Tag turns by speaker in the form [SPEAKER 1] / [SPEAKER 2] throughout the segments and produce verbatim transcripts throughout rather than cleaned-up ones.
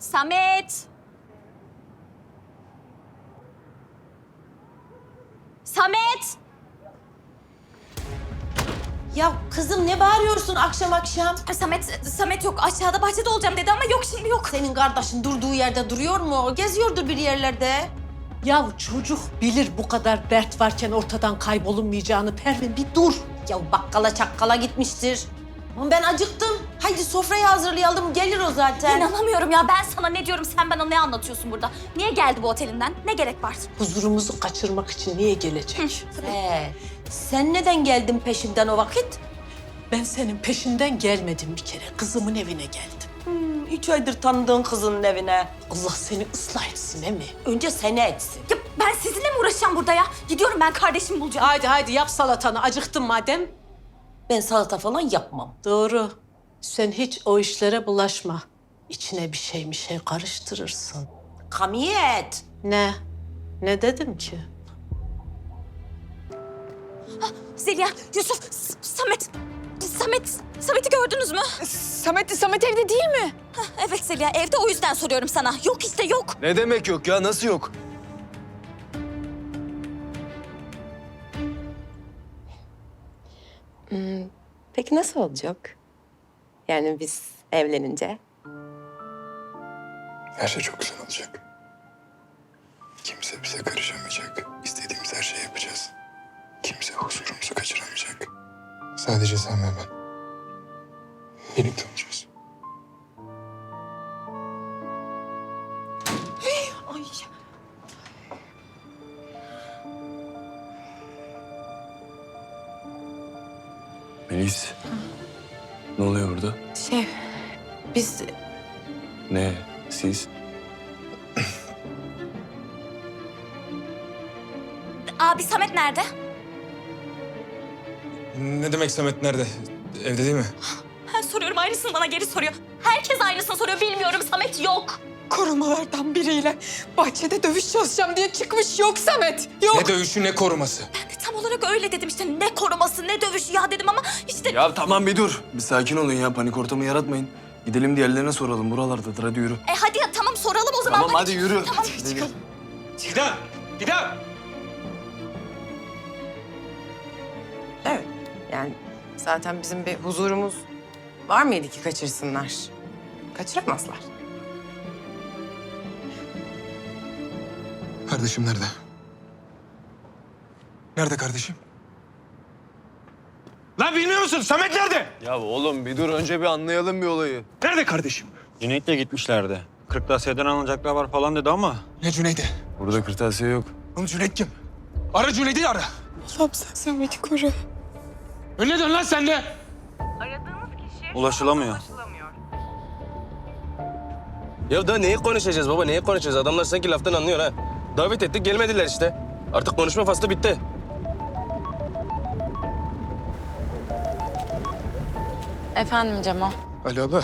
[SPEAKER 1] Samet! Samet!
[SPEAKER 2] Ya kızım ne bağırıyorsun akşam akşam?
[SPEAKER 1] Samet, Samet yok. Aşağıda bahçede olacağım dedi ama yok şimdi yok.
[SPEAKER 2] Senin kardeşin durduğu yerde duruyor mu? Geziyordur bir yerlerde.
[SPEAKER 3] Ya çocuk bilir bu kadar dert varken ortadan kaybolunmayacağını. Pervin bir dur.
[SPEAKER 2] Ya bakkala çakkala gitmiştir. Ama ben acıktım. Haydi sofrayı hazırlayalım. Gelir o zaten.
[SPEAKER 1] İnanamıyorum ya. Ben sana ne diyorum, sen bana ne anlatıyorsun burada? Niye geldi bu otelinden? Ne gerek var?
[SPEAKER 3] Huzurumuzu kaçırmak için niye gelecek?
[SPEAKER 2] Ee, sen neden geldin peşimden o vakit?
[SPEAKER 3] Ben senin peşinden gelmedim bir kere. Kızımın evine geldim.
[SPEAKER 2] Hmm, üç aydır tanıdığın kızının evine.
[SPEAKER 3] Allah seni ıslah etsin emi.
[SPEAKER 2] Önce seni etsin.
[SPEAKER 1] Ya ben sizinle mi uğraşacağım burada ya? Gidiyorum, ben kardeşimi bulacağım.
[SPEAKER 3] Haydi haydi yap salatanı. Acıktın madem.
[SPEAKER 2] Ben salata falan yapmam.
[SPEAKER 3] Doğru. Sen hiç o işlere bulaşma. İçine bir şey bir şey karıştırırsın.
[SPEAKER 2] Kamiyet.
[SPEAKER 3] Ne? Ne dedim ki?
[SPEAKER 1] Zeliha, Yusuf, S- Samet. Samet, Samet'i gördünüz mü?
[SPEAKER 4] Samet, Samet evde değil mi?
[SPEAKER 1] Hah, evet Zeliha, evde, o yüzden soruyorum sana. Yok işte yok.
[SPEAKER 5] Ne demek yok ya? Nasıl yok?
[SPEAKER 6] Peki nasıl olacak? Yani biz evlenince?
[SPEAKER 7] Her şey çok güzel olacak. Kimse bize karışamayacak. İstediğimiz her şeyi yapacağız. Kimse huzurumuzu kaçıramayacak. Sadece sen ve ben. Birlikte olacağız.
[SPEAKER 4] Ay.
[SPEAKER 5] Melis. Ne oluyor burada?
[SPEAKER 6] Şey, biz
[SPEAKER 5] Ne? Siz?
[SPEAKER 1] Abi Samet nerede?
[SPEAKER 7] Ne demek Samet nerede? Evde değil mi?
[SPEAKER 1] Ben soruyorum, aynısını bana geri soruyor. Herkes aynısını soruyor, bilmiyorum. Samet yok.
[SPEAKER 4] Korumalardan biriyle bahçede dövüş çalışacağım diye çıkmış. Yok Samet, yok.
[SPEAKER 7] Ne dövüşü ne koruması.
[SPEAKER 1] Ben de tam olarak öyle dedim işte. Ne koruması, ne dövüşü ya dedim ama işte...
[SPEAKER 5] Ya tamam bir dur. Bir sakin olun ya. Panik ortamı yaratmayın. Gidelim diğerlerine soralım. Buralardadır. Hadi yürü.
[SPEAKER 1] E hadi ya, tamam soralım o zaman.
[SPEAKER 5] Tamam hadi yürü.
[SPEAKER 1] Tamam.
[SPEAKER 5] Çıkalım.
[SPEAKER 7] Fidan! Fidan!
[SPEAKER 6] evet. Yani zaten bizim bir huzurumuz var mıydı ki kaçırsınlar? Kaçıramazlar.
[SPEAKER 7] Kardeşim nerede? Nerede kardeşim? Lan bilmiyor musun? Samet nerede?
[SPEAKER 5] Ya oğlum bir dur. Önce bir anlayalım bir olayı.
[SPEAKER 7] Nerede kardeşim?
[SPEAKER 8] Cüneyt'le gitmişlerdi. Kırtasiyeden alınacaklar var falan dedi ama
[SPEAKER 7] Ne Cüneyt'i?
[SPEAKER 5] Burada kırtasiye yok.
[SPEAKER 7] Oğlum Cüneyt kim? Ara Cüneyt'i ara.
[SPEAKER 4] Allah'ım sen Samet'i koru.
[SPEAKER 7] Önüne dön lan sen de.
[SPEAKER 8] ulaşılamıyor.
[SPEAKER 9] Ya daha neyi konuşacağız baba, neyi konuşacağız? Adamlar sanki laftan anlıyor ha. Davet ettik, gelmediler işte. Artık konuşma faslı bitti.
[SPEAKER 6] Efendim Cemo?
[SPEAKER 7] Ali abla.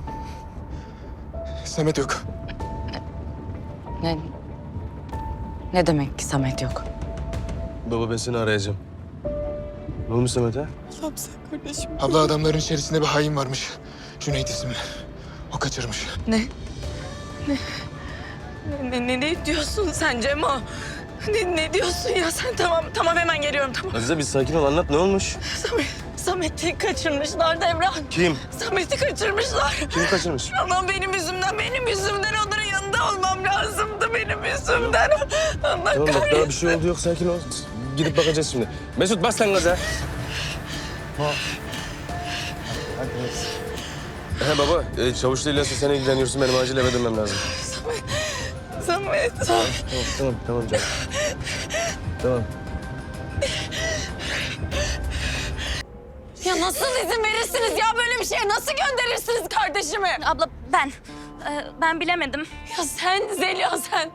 [SPEAKER 7] Samet yok.
[SPEAKER 6] Ne? Ne demek ki Samet yok?
[SPEAKER 9] Baba ben seni arayacağım. Ne olmuş Samet'e?
[SPEAKER 4] Allah'ım sen kardeşim.
[SPEAKER 7] Abla adamların içerisinde bir hain varmış. Cüneyt isimli. O kaçırmış.
[SPEAKER 4] Ne? Ne? Ne, ne, ne diyorsun sen Cemo? Ne, ne diyorsun ya sen? Tamam, tamam hemen geliyorum tamam.
[SPEAKER 9] Azize bir sakin ol, anlat ne olmuş?
[SPEAKER 4] Samet, Samet'i kaçırmışlar Devran.
[SPEAKER 9] Kim?
[SPEAKER 4] Samet'i kaçırmışlar.
[SPEAKER 9] Kimi kaçırmış?
[SPEAKER 4] Ama benim yüzümden, benim yüzümden onların yanında olmam lazımdı. Benim yüzümden. Allah
[SPEAKER 9] Tamam bak
[SPEAKER 4] kahretsin.
[SPEAKER 9] daha bir şey oldu yok, sakin ol. Gidip bakacağız şimdi. Mesut bas lan gaza. He baba, e, Çavuşlu İlyas'la sen ilgileniyorsun. Benim acil eve dönmem lazım.
[SPEAKER 4] Samet.
[SPEAKER 9] Tamam, tamam, tamam canım. Tamam.
[SPEAKER 4] Ya nasıl izin verirsiniz ya böyle bir şeye? Nasıl gönderirsiniz kardeşimi?
[SPEAKER 1] Abla ben, e, ben bilemedim.
[SPEAKER 4] Ya sen Zeliha sen.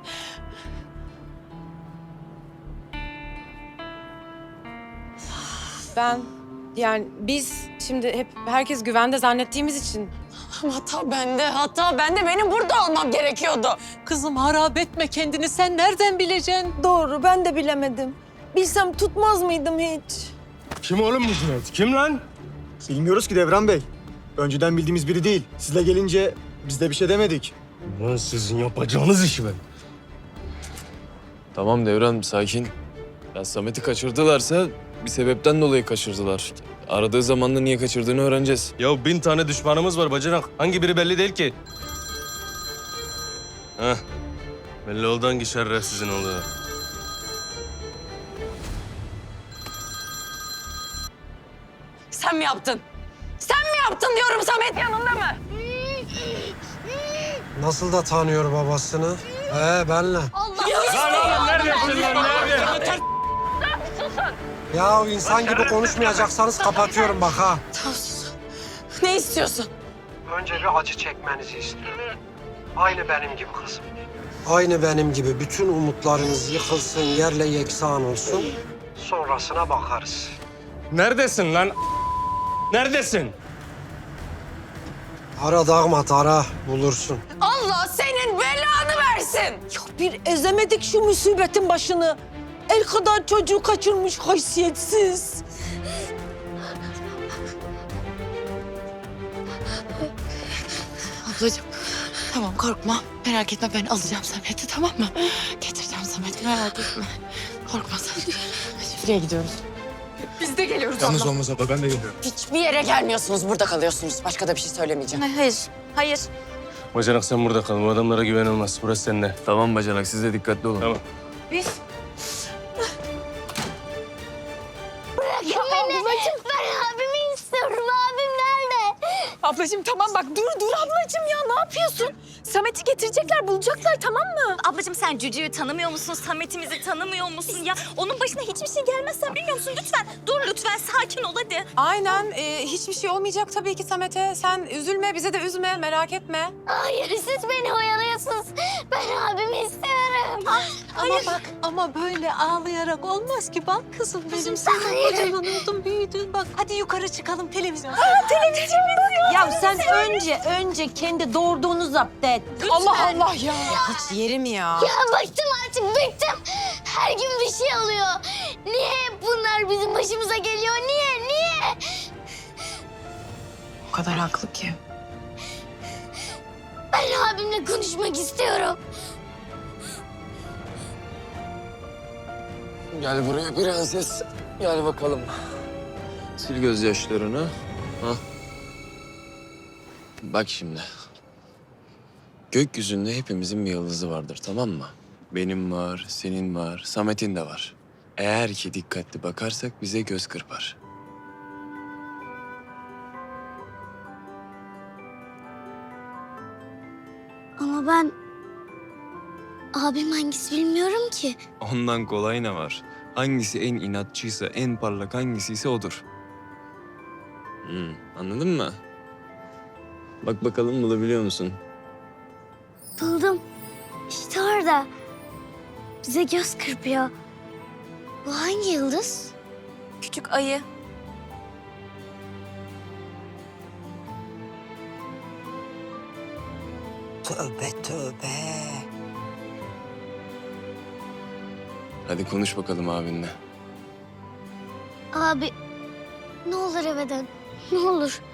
[SPEAKER 6] Ben yani biz şimdi hep herkes güvende zannettiğimiz için
[SPEAKER 4] Hata bende, hata bende. Benim burada olmam gerekiyordu.
[SPEAKER 3] Kızım harap etme kendini. Sen nereden bileceksin?
[SPEAKER 2] Doğru ben de bilemedim. Bilsem tutmaz mıydım hiç?
[SPEAKER 10] Kim oğlum bu Cüneyt? Kim lan? Bilmiyoruz ki Devran Bey. Önceden bildiğimiz biri değil. Sizle gelince biz de bir şey demedik. Lan sizin yapacağınız işi ben.
[SPEAKER 5] Tamam Devran sakin. Ya Samet'i kaçırdılarsa bir sebepten dolayı kaçırdılar. Aradığı zamanda niye kaçırdığını öğreneceğiz.
[SPEAKER 9] Ya bin tane düşmanımız var bacanak. Hangi biri belli değil ki. Heh. Belli oldu hangi şerefsizin olduğu.
[SPEAKER 4] Sen mi yaptın? Sen mi yaptın diyorum, Samet yanında mı?
[SPEAKER 10] Nasıl da tanıyor babasını? He benle.
[SPEAKER 9] Lan oğlum neredesin lan nerede?
[SPEAKER 10] Ya insan gibi konuşmayacaksanız kapatıyorum bak ha.
[SPEAKER 4] Tamam sus. Ne istiyorsun?
[SPEAKER 10] Önce bir acı çekmenizi istiyorum. Aynı benim gibi kızım. Aynı benim gibi bütün umutlarınız yıkılsın, yerle yeksan olsun. Sonrasına bakarız.
[SPEAKER 9] Neredesin lan? Neredesin?
[SPEAKER 10] Ara Dağmat ara, bulursun.
[SPEAKER 4] Allah senin belanı versin.
[SPEAKER 2] Bir ezemedik şu musibetin başını. El kadar çocuğu kaçırmış haysiyetsiz.
[SPEAKER 4] Ablacığım tamam korkma. Merak etme ben alacağım Samet'i tamam mı? Getireceğim Samet'i merak etme. Korkma sen. Şifreye gidiyoruz. Biz de geliyoruz abla.
[SPEAKER 7] olmaz abla ben de geliyorum.
[SPEAKER 4] Hiçbir yere gelmiyorsunuz. Burada kalıyorsunuz. Başka da bir şey söylemeyeceğim.
[SPEAKER 1] Hayır, hayır.
[SPEAKER 9] Bacanak sen burada kal. Bu adamlara güven olmaz. Burası seninle.
[SPEAKER 5] Tamam bacanak siz de dikkatli olun.
[SPEAKER 9] Tamam.
[SPEAKER 1] Biz...
[SPEAKER 11] Ya ablacığım ben abimi istiyorum. Abim nerede?
[SPEAKER 1] Ablacığım tamam bak dur dur ablacığım ya ne yapıyorsun? Samet'i getirecekler bulacaklar tamam mı? Ablacığım sen Cücü'yü tanımıyor musun? Samet'imizi tanımıyor musun ya? Onun başına hiçbir şey gelmez sen bilmiyor musun? Lütfen dur lütfen sakin ol hadi.
[SPEAKER 6] Aynen. e, hiçbir şey olmayacak tabii ki Samet'e. Sen üzülme, bize de üzme, merak etme.
[SPEAKER 11] Hayır siz beni oyalıyorsunuz. Ben abimi istiyorum.
[SPEAKER 3] Ama bak ama böyle ağlayarak olmaz ki. Bak kızım benim sen
[SPEAKER 11] Hayır.
[SPEAKER 3] kocaman oldun büyüdün. Bak hadi yukarı çıkalım televizyon.
[SPEAKER 2] Ya sen önce önce kendi doğurduğunu zapt et.
[SPEAKER 6] Allah Allah ya. Hiç yerim ya.
[SPEAKER 11] Ya bıktım artık bıktım. Her gün bir şey oluyor. Niye hep bunlar bizim başımıza geliyor? Niye? Niye?
[SPEAKER 4] O kadar haklı ki.
[SPEAKER 11] Ben abimle konuşmak istiyorum.
[SPEAKER 5] Gel buraya prenses. Gel bakalım. Sil gözyaşlarını. Ha. Bak şimdi. Gökyüzünde hepimizin bir yıldızı vardır tamam mı? Benim var, senin var, Samet'in de var. Eğer ki dikkatli bakarsak bize göz kırpar.
[SPEAKER 11] Ama ben abim hangisi bilmiyorum ki.
[SPEAKER 5] Ondan kolay ne var? Hangisi en inatçıysa, en parlak hangisiyse odur. Hmm, anladın mı? Bak bakalım bulabiliyor musun?
[SPEAKER 11] Buldum. İşte orada. Bize göz kırpıyor. Bu hangi yıldız?
[SPEAKER 1] Küçük ayı.
[SPEAKER 2] Tövbe tövbe.
[SPEAKER 5] Hadi konuş bakalım abinle.
[SPEAKER 11] Abi ne olur eve dön. Ne olur.